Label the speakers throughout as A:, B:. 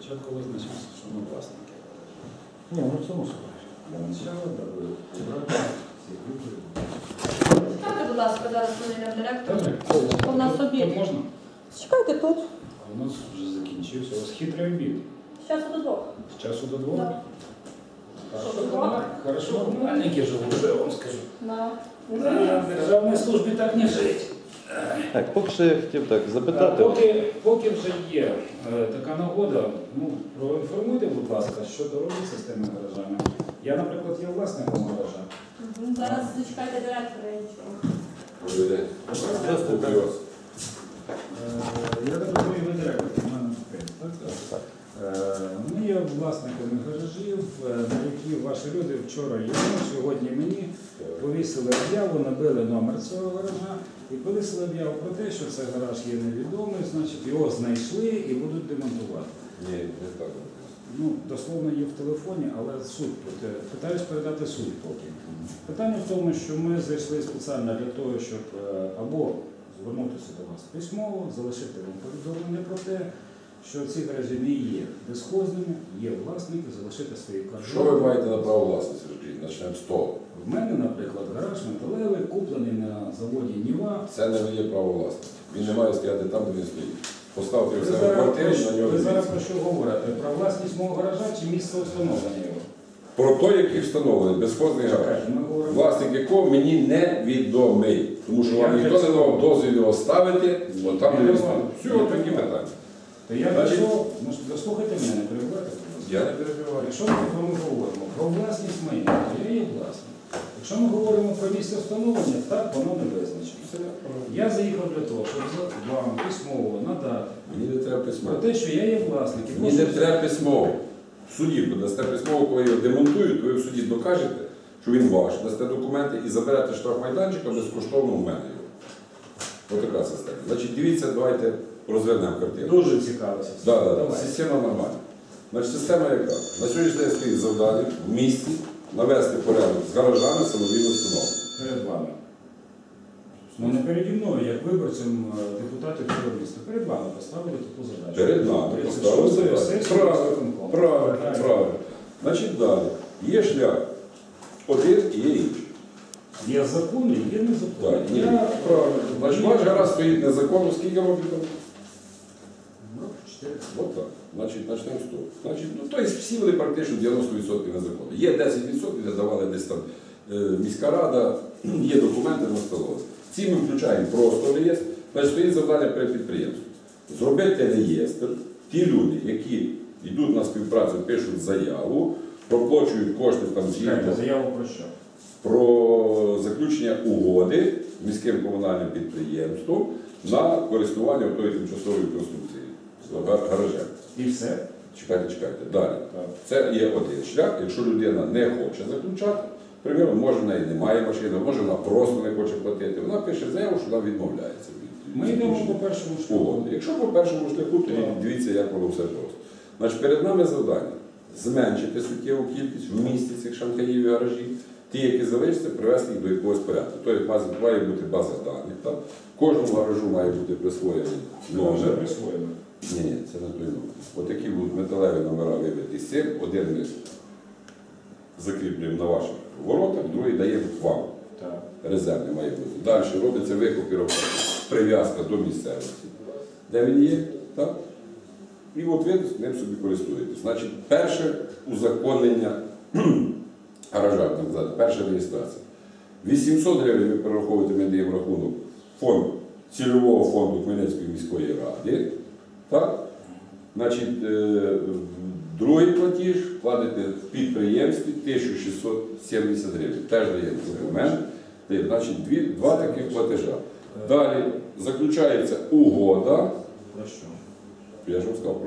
A: Спочатку визначимося, що ми власники.
B: Ні, ну це мусимо.
A: Для начала, даби убрати всіх виборів.
C: Ставте, будь ласка, зараз мене директор.
A: Добре.
C: У нас обід.
A: Тут можна?
C: Чекайте тут.
A: А у нас вже закінчився. У вас хитрий обід.
C: З часу до 2.
A: З часу до 2?
C: Да.
A: Хорошо, комунальники живуть, що я вам скажу.
C: На.
A: На державній службі так не жить.
B: Так, поки що я хотів так запитати.
A: Поки вже є така нагода, проінформуйте, будь ласка, що робиться з тими гаражами. Я, наприклад, є власником гаража.
C: Зараз зачекайте директора, я нічого.
B: Здравствуйте.
A: Я так розумію, ви директор комунального підприємства, так? Ми є власниками гаражів, на які ваші люди вчора йому, сьогодні мені повісили об'яву, набили номер цього гаража і повісили об'яву про те, що цей гараж є невідомий, значить його знайшли і будуть демонтувати.
D: Ні, не так.
A: Ну, дословно є в телефоні, але суть. Питаюсь передати суть поки. Питання в тому, що ми зайшли спеціально для того, щоб або звернутися до вас письмово, залишити вам повідомлення про те, що ці гаражі не є безхозними, є власники, залишити свої координати.
D: Що ви маєте на право власності? Почнемо з того.
A: В мене, наприклад, гараж металевий, куплений на заводі Ніва.
D: Це не є право власності. Він не має стояти там, де він стоїть. Поставте його в себе в квартирі, на нього
A: Ви зараз
D: дивіться.
A: про що говорите? Про власність мого гаража чи місце встановлення його?
D: Про той, який встановлений, безхозний гараж.
A: Ми говоримо.
D: Власник якого мені невідомий. Тому що вам ніхто не давав дозвіл його ставити, бо там не відомо. Все, такі питання.
A: То я прийшов, дослухайте мене, не перебувайте.
D: Я не перебиваю.
A: Якщо ми говоримо про власність майна, то я є власник. Якщо ми говоримо про місце встановлення, так воно не визначено. Я заїхав для того, щоб вам письмово надати
D: Мені не треба
A: про
D: письмово.
A: те, що я є власник. І
D: Мені не
A: прошу-
D: треба письмово. В суді подасте письмово, коли його демонтують, ви в суді докажете, що він ваш, дасте документи і заберете штрафмайданчика безкоштовно у мене його. Ось така система. Значить, дивіться, давайте розвернемо картину.
A: Дуже цікаво.
D: Да, да, да.
A: Давай.
D: Система нормальна. Значить, система яка? На сьогоднішній день стоїть завдання в місті навести порядок з гаражами самовільно встановлення.
A: Перед вами. Ну не переді мною, як виборцем депутатів цього міста. Перед вами поставили таку задачу.
D: Перед нами
A: 36-ї
D: поставили задачу.
A: сесії
D: Правильно,
A: виконкому.
D: правильно. Значить, далі. Є шлях один і є інший.
A: Є закони, є
D: Так,
A: незаконні.
D: ні, правильно. Значить, ваш гараж стоїть незаконно, скільки років там?
A: Ну, 4.
D: От так. Значить, почнемо з того. Значить, ну, тобто всі вони практично 90% незаконно. Є 10%, де давали десь там міська рада, є документи на столові. Ці ми включаємо просто в реєстр. Значить, стоїть завдання перед підприємством. Зробити реєстр. Ті люди, які йдуть на співпрацю, пишуть заяву, проплачують кошти там згідно
A: Заяву про що?
D: про заключення угоди з міським комунальним підприємством на користування тої тимчасової конструкції з гаражем.
A: І все.
D: Чекайте. Далі.
A: Так.
D: Це є один шлях. Якщо людина не хоче заключати, приміром, може в неї немає машини, може вона просто не хоче платити, вона пише заяву, що вона відмовляється від
A: Ми йдемо
D: заключення
A: по першому шляху.
D: угоди. Якщо по першому шляху, то
A: Так.
D: дивіться, як воно все просто. Значить, перед нами завдання зменшити суттєву кількість в місті цих шанхаїв і гаражів. Ті, які залишаться, привести їх до якогось порядку. Тобто має бути база даних. Так? Кожному гаражу має бути присвоєний
A: Вже
D: номер.
A: присвоєно.
D: Ні, це не той номер. От такі будуть металеві номера вибиті з цим. Один ми закріплюємо на ваших воротах, другий даємо вам.
A: Так.
D: Резервний має бути. Далі робиться викопіровка, прив'язка до місцевості, де він є. Так? І от ви ним собі користуєтесь. Значить, перше узаконення гаража, так сказати, перша реєстрація. 800 гривень ви перераховуєте, ми даємо рахунок фонд, цільового фонду Хмельницької міської ради. Так? Значить, другий платіж платите в підприємстві 1670 гривень. Теж даємо документ. Значить, два таких платежа. Далі заключається угода.
A: Про що?
D: Я ж вам сказав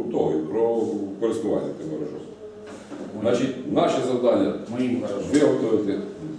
D: про користування тим гаражом. Значить, наше завдання
A: Моїм гаражом.
D: виготовити,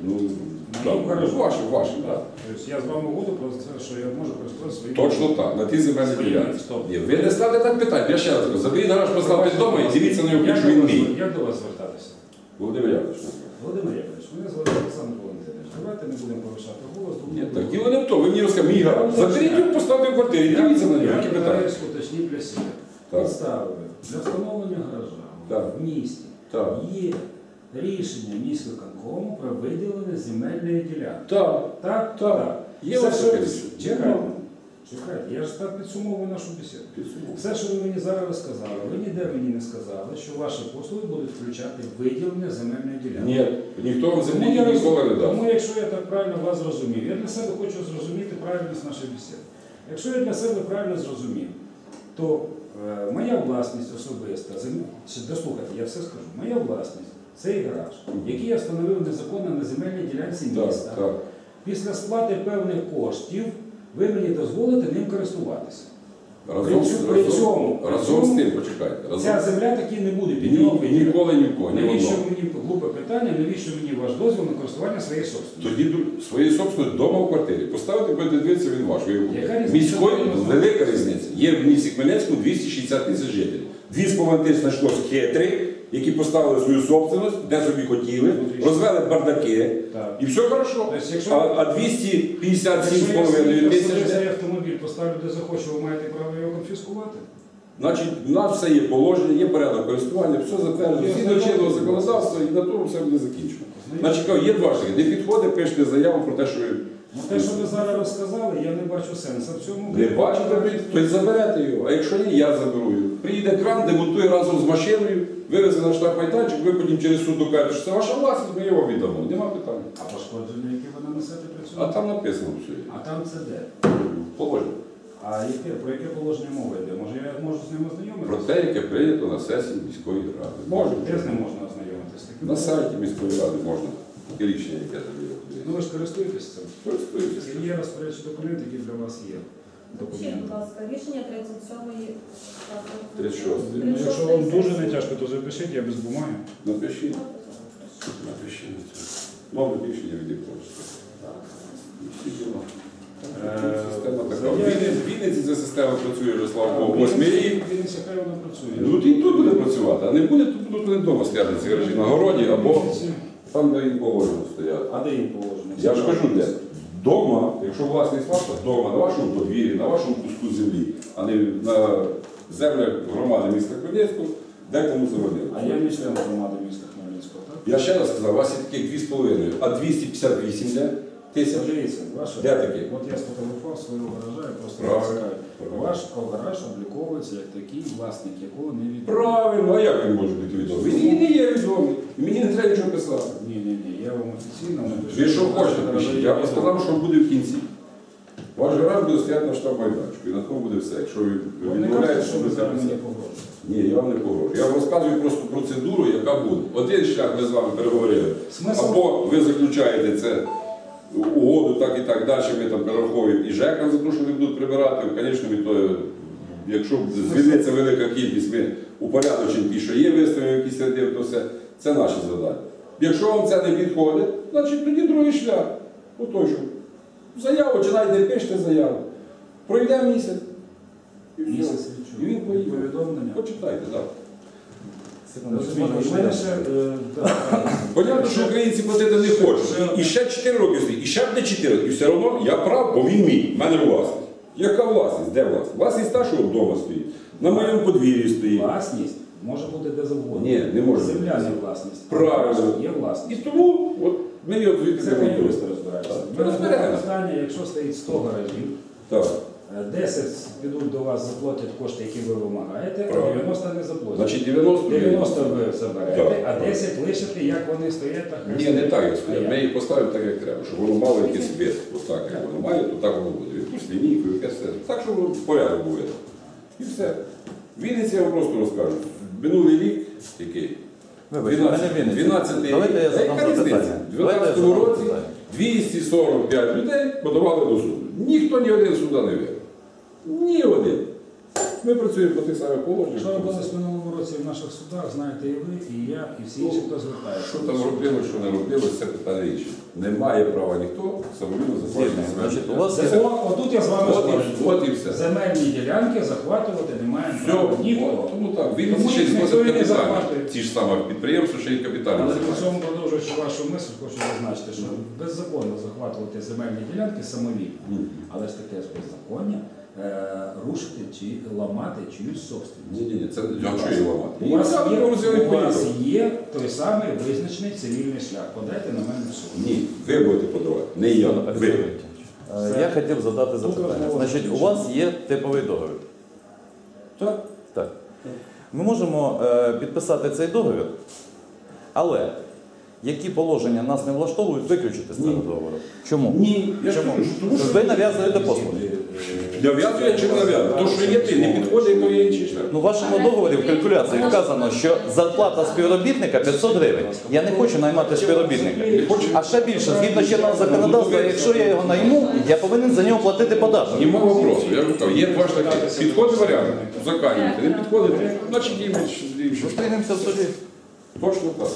A: Моїм гаражом.
D: ваші, так.
A: Тобто я з вами угоду про це, що я можу користуватися своїм.
D: Точно так, на ті земельні
A: Своїм.
D: ділянці.
A: Стоп.
D: Ні, ви не ставте так питання, я ще раз кажу, заберіть гараж, поставте вдома і дивіться на його, що він мій.
A: Як до вас звертатися?
D: Володимир Яковлевич.
A: Володимир Яковлевич, мене звати Олександр Валентинович. Давайте не будемо повишати голос.
D: Ні, так діло не в тому, ви мені розказали, мій гараж. Заберіть його, поставте в квартирі, дивіться на нього, які питання.
A: Уточніть для себе.
D: Так.
A: Підстави для встановлення гаража
D: Так.
A: в місті
D: Так.
A: є рішення міськвиконкому про виділення земельної ділянки.
D: Так.
A: Так?
D: Так. Є
A: Все,
D: ось
A: що-
D: таке рішення.
A: Чекайте. Чекайте, я ж так підсумовую нашу бесіду.
D: Підсумовую.
A: Все, що ви мені зараз розказали, ви ніде мені не сказали, що ваші послуги будуть включати виділення земельної ділянки.
D: Ні, ніхто вам
A: Тому
D: землі
A: я
D: ніколи не дав.
A: Тому, якщо я так правильно вас зрозумів, я для себе хочу зрозуміти правильність нашої бесіди. Якщо я для себе правильно зрозумів, то моя власність особиста, дослухайте, я все скажу, моя власність, цей гараж, який я встановив незаконно на земельній ділянці міста,
D: Так, так.
A: після сплати певних коштів ви мені дозволите ним користуватися.
D: Разом з тим, почекайте.
A: Ця земля таки не буде
D: Ні,
A: підйомна.
D: ніколи нікого, ні
A: Навіщо
D: одного.
A: мені глупе питання, навіщо мені ваш дозвіл на користування своєї собственності?
D: Тоді своєї собственної вдома в квартирі. Поставити, будете дивитися, він ваш.
A: Яка різниця?
D: Міської велика різниця. Є в місті Хмельницькому 260 тисяч жителів. 2,5 тисяч знайшлося хитрих, які поставили свою собственність, де собі хотіли, розвели бардаки,
A: Так.
D: і все хорошо.
A: Тобто, якщо-
D: А
A: Якщо
D: 257,5
A: я
D: тисяч,
A: цей автомобіль поставлю де захочу, ви маєте право його конфіскувати?
D: значить, у нас все є положення, є порядок користування, все затверджено,
A: Я
D: згідно
A: знаю.
D: чинного законодавства, і на тому все буде закінчено. Значить, є два шляхи. Не підходить, пишете заяву про те, що ви
A: Ну, те, що ви зараз розказали, я не бачу сенсу в цьому.
D: не бачите, то й заберете його. А якщо ні, я заберу його. Приїде кран, демонтує разом з машиною, вивезе на штаб майданчик, ви потім через суд докажете, що це ваша власність, ми його віддамо. Нема питань.
A: А пошкодження, які ви нанесете при
D: А
A: цьому?
D: там написано все.
A: А там це де?
D: Положення.
A: А про яке положення мова йде? Може я можу з ним
D: Про
A: ознайомитися?
D: те, яке прийнято на сесії міської ради. Можна.
A: Де з ним можна ознайомитися?
D: На сайті міської ради можна. Таке рішення, яке тобі.
A: Ну ви ж користуєтесь цим?
D: Користуйтесь.
A: Це є розпорядчий документ, який для вас є.
C: Ще,
A: Документ.
C: будь ласка, рішення 37-ї.
D: 36.
A: Ну, якщо вам дуже не тяжко, то запишіть, я без бумаги.
D: Напишіть. Напишіть. Нове рішення від якогось. І всі діла. Система така. В Вінниці ця система працює вже, слава Богу, 8 рік.
A: Він хай вона працює.
D: Ну, і тут буде працювати, а не буде, то будуть вони вдома стояти ці гаражі на городі або там, де їм положено стояти.
A: А де їм положено?
D: Я ж кажу, де. Дома, якщо власність ваша, вдома, на вашому подвір'ї, на вашому куску землі, а не на землях громади міста Хмельницького, де кому заводили.
A: А я не член громади міста Хмельницького, так?
D: Я ще раз сказав, у вас є таких 2,5, а 258 де? Тисяч.
A: Подивіться, ваше.
D: Де такі?
A: От я сфотографував свого гаража, я просто
D: Правильно.
A: цікавий.
D: Правильно.
A: Ваш гараж обліковується як такий, власник якого не відомий.
D: Правильно, а як він може бути відомий? Він не є відомий. І мені не треба нічого писати.
A: Ні, я вам офіційно напишу.
D: Ви що хочете
A: Ваш
D: пишіть?
A: гараж
D: Я
A: є
D: вам сказав, що буде в кінці. Ваш гараж буде стояти на штаб майданчику, і на тому буде все. Якщо ви
A: Ви не
D: відмовляєте,
A: кажете, що ви зараз мені
D: писати.
A: погрожуєте.
D: Ні, я вам не погрожую. Я вам розказую просто процедуру, яка буде. Один шлях ми з вами переговорили.
A: Смисл?
D: Або ви заключаєте це угоду, так і так далі, ми там перераховуємо і ЖЕКам за те, що вони будуть прибирати. Звісно, від того, якщо звільниться велика кількість, ми упорядочимо ті, що є, виставимо якісь ряди, то все. Це наші завдання. Якщо вам це не підходить, значить тоді другий шлях. Отой, що заяву чи навіть не пишете заяву. Пройде місяць. І все.
A: Місяць
D: І він поїде.
A: повідомлення.
D: Почитайте, так.
A: Розумієте, в мене ще,
D: Понятно, що українці платити не хочуть. І ще 4 роки стоїть, і ще буде 4 роки. І все одно я прав, бо він мій. В мене власність. Яка власність? Де власність? Власність та, що вдома стоїть. На моєму подвір'ї стоїть.
A: власність може бути де завгодно.
D: Ні, не може бути.
A: Земля не власність.
D: Правильно.
A: Є
D: І
A: власність.
D: тому от, ми його звідти
A: Це не
D: не
A: юристи розбираються.
D: Так.
A: У мене
D: Розберемося.
A: питання, якщо стоїть 100 гаражів,
D: Так.
A: 10 підуть до вас, заплатять кошти, які ви вимагаєте, а
D: Правильно.
A: 90 не заплатять.
D: Значить 90
A: 90 ви заберете,
D: Так.
A: а 10 лишите, як вони стоять, так
D: Ні, не так, як стоїть.
A: А
D: Ми її поставимо так, як треба, щоб воно мало якийсь вид. Ось так, як воно має, то так воно буде. Якусь лінійку, якесь все. Так, щоб воно порядок був. І все. В Вінниці я вам просто розкажу. Минулий рік, який?
B: Вибачте, мене Вінниця.
D: 12-й
B: Давайте я
D: рік.
B: задам
D: Яка різниця?
B: запитання.
D: В
B: Давайте я
D: 12-му
B: задам
D: році
B: запитання.
D: 245 людей подавали до суду. Ніхто ні один суда не виграв. Ні один. Ми працюємо по тих самих положеннях.
A: Що робилось в минулому році в наших судах, знаєте і ви, і я, і всі інші, хто звертається.
D: Що там робилось, що не робилось, це питання інше. Не має права ніхто самовільно захоплювати
B: Значить,
D: землю.
B: у вас є
A: Отут я з вами спорю.
D: От і все.
A: Земельні ділянки захватувати немає
D: Все,
A: права ніхто.
D: от, тому так. Він
A: Тому
D: ще й
A: їх ніхто
D: зносить
A: і не
D: капітально.
A: захватує.
D: Ті ж саме підприємства, ще й капітально
A: Але при
D: займаються.
A: цьому, продовжуючи вашу мисль, хочу зазначити, що беззаконно захватувати земельні ділянки самовільно. Але ж таке ж беззаконня рушити чи ламати чиюсь собственність.
D: Ні, це а що її ламати?
A: У вас
D: Її взяли,
A: у вас
D: поїхали.
A: є той самий визначений цивільний шлях. Подайте на мене в суд.
D: Ні, ви будете подавати, не я. Ви.
B: Я хотів задати запитання. Значить, у вас є типовий договір.
D: Так?
B: Так. Ми можемо підписати цей договір, але які положення нас не влаштовують, виключити з цього договору. Чому?
D: Ні, я ж
B: Чому?
D: кажу, тому що
B: Ви нав'язуєте послуги.
D: нав'язує чи не нав'язує. То, що є ти, не підходить, то є інший шлях.
B: Ну, в вашому договорі в калькуляції вказано, що зарплата співробітника 500 гривень. Я не хочу наймати співробітника. А ще більше, згідно чинного законодавства, якщо я його найму, я повинен за нього платити податок.
D: Нема вопросу. Я вам кажу, є два шляхи. Підходить варіант, заканюєте. Не підходить, значить їм інший.
B: Зустрінемося в суді.
D: Точно так.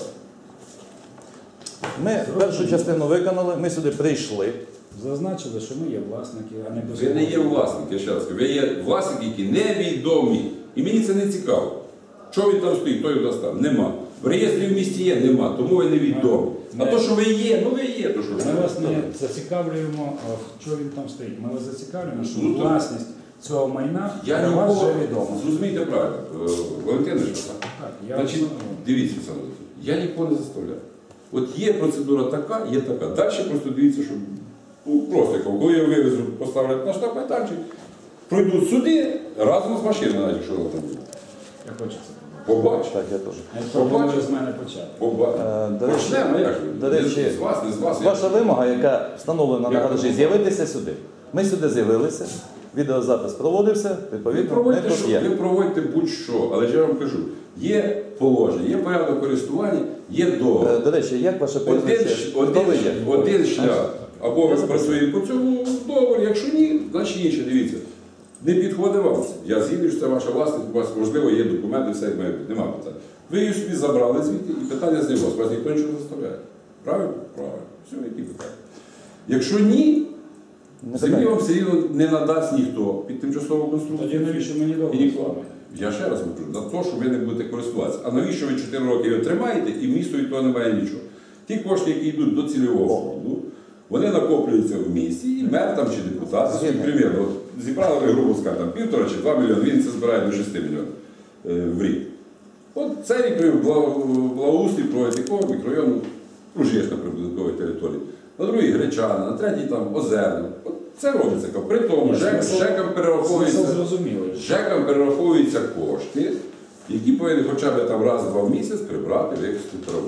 B: Ми першу частину виконали, ми сюди прийшли.
A: Зазначили, що ми є власники, а не
D: Ви не є власник, я ще раз кажу. Ви є власники, які невідомі. І мені це не цікаво. Що він там стоїть, той у нас там. Нема. В реєстрі в місті є, нема, тому ви невідомі. А то, що ви є, ну ви є, то що ж.
A: Ми вас не зацікавлюємо, що він там стоїть. Ми вас зацікавлюємо, що
D: Ну, то-
A: власність цього майна
D: Я
A: для вас
D: нікого,
A: вже відома.
D: зрозумійте правильно, Валентин, що так?
A: Так, я
D: Значить,
A: вас-
D: дивіться, Олександр Олексійович, я нікого не заставляю. От є процедура така, є така. Далі просто дивіться, що ну, просто коли я вивезу, поставлять на штаб-майданчик, пройдуть суди разом з машиною, навіть якщо вона там буде.
A: Я хочу це
D: Побач.
B: Так, я теж.
A: Я пропоную з мене почати.
D: Побач.
B: До речі,
D: Почнемо, як же?
B: до речі,
D: з вас, не з вас.
B: Ваша вимога, яка встановлена на
D: Як
B: гаражі,
D: вимога?
B: з'явитися сюди. Ми сюди з'явилися, відеозапис проводився,
D: Ви
B: відповідно, ми
D: проводьте,
B: тут
D: що,
B: є.
D: ви проводьте будь-що, але ж я вам кажу, є положення, є порядок користування, є договір.
B: До речі, як ваше прізвище? Хто ви є?
D: Один шлях. Або ви працюєте по цьому договору, якщо ні, значить інше, дивіться. Не підходить вам це. Я згідний, що це ваша власність, у вас, можливо, є документи, все як має бути, нема питань. Ви її собі забрали звідти і питання з вас. Вас ніхто нічого не заставляє. Правильно? Правильно. Все, які питання. Якщо ні,
B: Не
D: землі
B: питання.
D: вам все рівно не надасть ніхто під тимчасову конструкцію.
A: Тоді навіщо мені
D: І
A: договор з
D: ніколи.
A: вами?
D: Я ще раз кажу, на те, що ви не будете користуватися. А навіщо ви 4 роки його тримаєте і місто від того немає нічого? Ті кошти, які йдуть до цільового фонду, вони накоплюються в місті, і мер там чи депутат, примірно, от зібрали ви, грубо скажемо, там 1,5 чи 2 мільйони, він це збирає до 6 мільйонів в рік. От цей рік благоустрій проводить якого мікрорайону Ружєшна прибудинкової території, на другий Гречана, на третій там Озерна. От це робиться. При тому ЖЕКам перераховується.
A: Смисл зрозумілий.
D: ЖЕКам перераховуються кошти, які повинні хоча б там раз-два в місяць прибрати вихисту траву.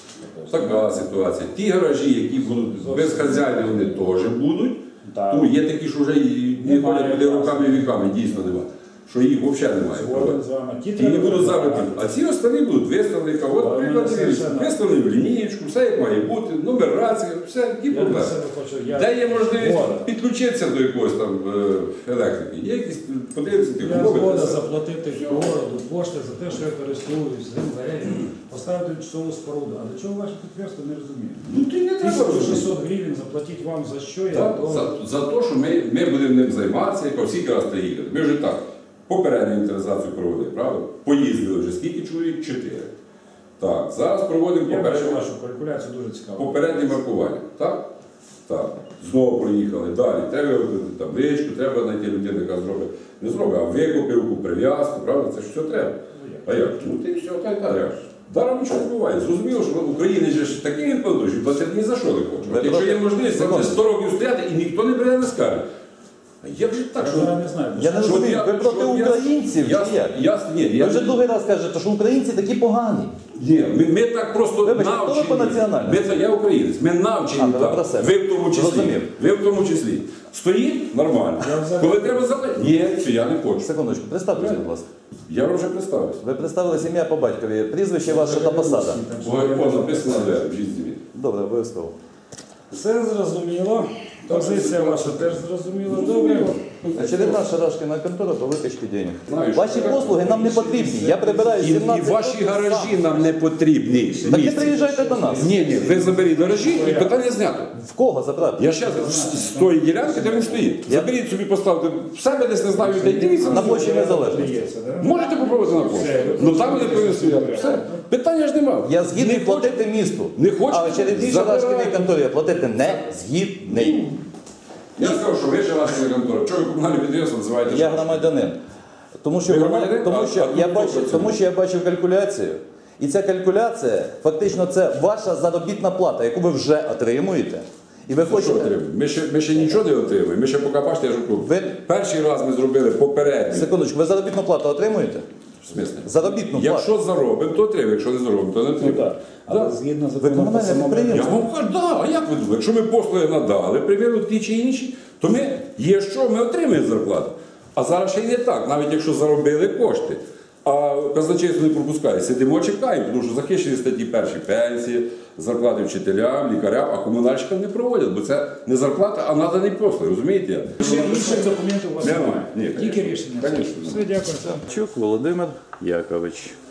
D: Така ситуація. Ті гаражі, які будуть без хазяїна, вони теж будуть.
A: Так.
D: Ну, є такі, що вже і не
A: Немає
D: ходять туди
A: власне.
D: руками і віками, дійсно немає. Що їх взагалі немає.
A: Згоден з вами. Ті
D: Ті
A: треба
D: не будуть
A: забрати.
D: забрані. А ці останні будуть виставлені. От,
A: Але
D: приклад,
A: мене совершенно-
D: виставлені в лінієчку, все як має бути, нумерація, все, які
A: Я для
D: проблеми.
A: себе хочу.
D: Де є можливість
A: Згоден.
D: підключитися до якогось там електрики? Є якісь, подивитися, ті
A: Я
D: умови,
A: згода
D: це все.
A: заплатити городу кошти за те, що я користуюсь землею, поставити часову споруду. А до чого ваше підприємство, не розумію.
D: Ну ти не треба розуміти.
A: 1600 гривень заплатіть вам за що, я
D: Так,
A: готовий.
D: за те, що ми будемо ним займатися, як всі раз та їхати. Ми вже так, попередню інвентаризацію проводили, правда? Поїздили вже скільки чоловік? 4. Так, зараз проводимо
A: Я бачу
D: попереднє,
A: вашу калькуляцію дуже цікаво.
D: попереднє маркування. Так? Так. Знову проїхали. Далі. Треба вибрати табличку, треба знайти людину, яка зробить. Не зробить, а викупівку, прив'язку, правда? Це ж все треба. А як? Ну ти все, та й так. Як ж? Даром нічого не буває. Зрозуміло, що в Україні ж такий відповідь, що платити ні за що не хоче. От якщо є можливість, там буде 100 років стояти і ніхто не бере, не скаже. А як же так,
A: Я
D: що...
A: зараз не знаю.
B: Я не
D: Щоб
B: розумію, ви проти
D: щоб
B: українців
D: я,
B: чи як?
D: ні,
B: Ви вже другий раз кажете, що українці такі погані.
D: ні, ми так просто
B: Вибачте, хто
D: навчені.
B: ви по національності?
D: Я українець, ми навчені
B: А, то ви
D: так.
B: про себе.
D: Ви в тому числі.
B: Зрозумів.
D: Ви в тому числі. Стоїть нормально.
A: Я взагалі-
D: Коли треба заплатити? Ні, це я не хочу.
B: Секундочку, представтеся, будь ласка.
D: Я вам вже представився.
B: Ви представили ім'я по батькові, прізвище ваше та посада.
D: Ой, написано на двері, в житті.
B: Добре, обов'язково.
A: Все зрозуміло. Позиція ваша теж зрозуміла. Добре.
B: Очередна шарашкина контора по викачці денег.
D: Знаю, що
B: Ваші послуги нам не потрібні. Я прибираю 17 років сам.
D: нам не потрібні.
B: Так не приїжджайте до нас.
D: Ні, ви заберіть гаражі і питання знято.
B: В кого забрати?
D: Я ще з тої ділянки, де він стоїть.
B: Я-
D: Заберіть собі, поставте в себе десь, не знаю, де дивіться.
B: На площі Незалежності.
A: Здається, да?
D: Можете попробувати на пошту. Ну там вони повинні стояти. Все. Питання ж немає.
B: Я згідний
D: Не
B: платити місту.
D: Не хочете?
B: А очередній
D: Забирайте.
B: шарашкиній конторі я платити не згідний.
D: Я сказав, що ви ще ваша контора. Чого ви комунальне підприємство називаєте?
B: Я
D: що?
B: громадянин. Тому що,
D: Ви громадянин?
B: тому що я бачив калькуляцію. І ця калькуляція, фактично, це ваша заробітна плата, яку ви вже отримуєте. І ви
D: Що
B: хочете.
D: отримуємо? Ми ще нічого не отримуємо. Ми ще поки бачите, я ж кажу,
B: Ви-
D: перший раз ми зробили попередньо.
B: Секундочку, ви заробітну плату отримуєте?
D: В смислі?
B: Заробітну плату.
D: Якщо заробимо, то отримаємо. Якщо не заробимо, то не
A: Ну
D: отримаємо.
A: так. Але згідно
B: Ви
A: закону
B: комунальне
A: про самоврядування.
B: підприємство.
D: Я вам кажу, да, а як ви думаєте? Якщо ми послуги надали, приміру ті чи інші, то ми є що, ми отримаємо зарплату. А зараз ще й не так, навіть якщо заробили кошти. А казначейство не пропускає. Сидимо, чекаємо, тому що захищені статті перші пенсії, зарплати вчителям, лікарям, а комунальщикам не проводять, бо це не зарплата, а наданий послуг, розумієте?
A: Інших документів у вас
D: Немає.
A: немає.
D: Ні,
A: Тільки рішення.
D: конечно.
A: Все, дякую.
B: Чук Володимир Якович.